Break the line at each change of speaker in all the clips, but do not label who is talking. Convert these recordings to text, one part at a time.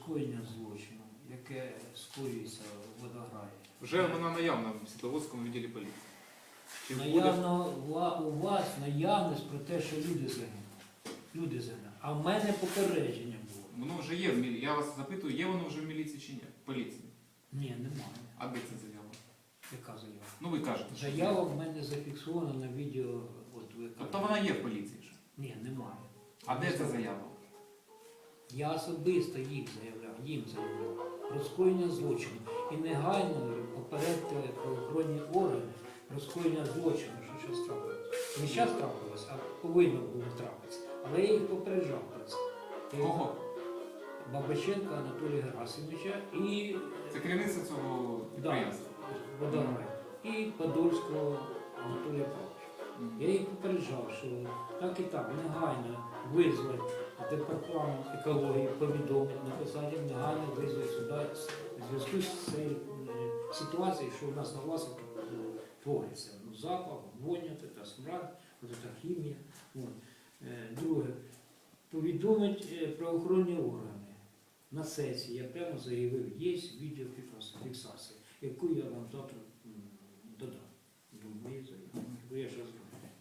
скоєння злочину, яке скоюється в Водограї.
Вже вона наявна в Світловодському відділі поліції. Чи буде?
Наявно у вас наявність про те, що люди загинули. Люди загинули. А в мене попередження було.
Воно вже є в міліції. Я вас запитую, є воно вже в міліції чи ні? В поліції.
Ні, немає.
А де це заява?
Яка заява?
Ну ви кажете, що
Заява в мене зафіксована на відео. От ви
тобто вона є в поліції вже.
Ні, немає.
А де ця заява?
Я особисто їм заявляв про скоєння злочину. І негайно попередити правоохоронні органи про скоєння злочину, що щось трапилось. Не зараз трапилось, а повинно було трапитися. Але я їх попереджав про це.
Кого?
Бабаченка Анатолія Герасимовича і
Це керівництво цього підприємства.
Водограй, і Подольського Анатолія Павловича. Я їх попереджав, що так і так, негайно визвати департамент екології, повідомити, написати, негайно визвати сюди в зв'язку з цією ситуацією, що у нас на власі твориться. Ну, запах, воня, та смрад, та хімія. Друге, повідомити правоохоронні органи. На сесії я прямо заявив, є відеофіксація, яку я вам завтра додам до моєї заяви. Бо я ж розумію.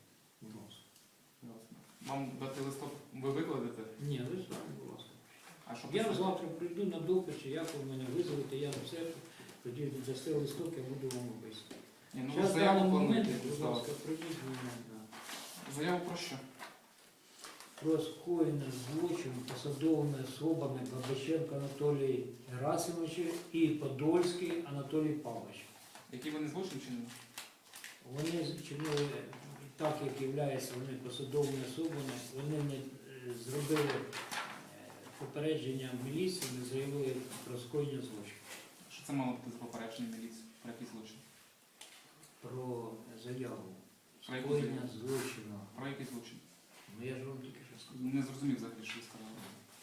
Вам дати листок ви викладете?
Ні, ви знаєте, будь ласка.
А що
Я
писати?
завтра прийду на допит, чи як ви мене визволите, я на все, тоді дасте листок, я буду вам описувати.
Ні, ну ви
Зараз в
заяву
даний момент,
плануєте
будь
здавати.
ласка, прийдіть мене
Заяву про що?
про скоєння злочину посадовими особами Бабаченко Анатолій Герасимович і Подольський Анатолій Павлович.
Які вони злочин чинили?
Вони зчинили так, як являються вони посадовими особами, вони не зробили попередження міліції, не заявили про скоєння злочину.
Що це мало бути за попередження міліції? Про який злочин?
Про заяву
Про яку
скоєння
заяву?
злочину.
Про який злочин?
Ну я ж вам тільки що сказав.
Не зрозумів взагалі, що ви сказали.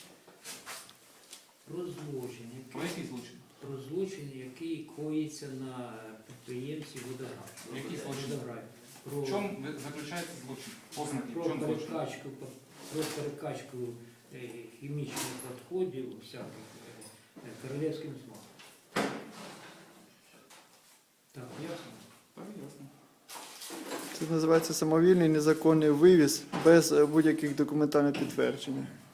Про злочин,
Про який злочин?
про злочин, який коїться на підприємці Водограй.
Який злочин?
Водограй. Про,
В чому заключається злочин? Ознаки,
про
в чому злочин?
перекачку хімічних відходів всяких королівським смаком. Так, ясно?
Так, ясно.
Це називається самовільний незаконний вивіз без будь-яких документальних підтверджень.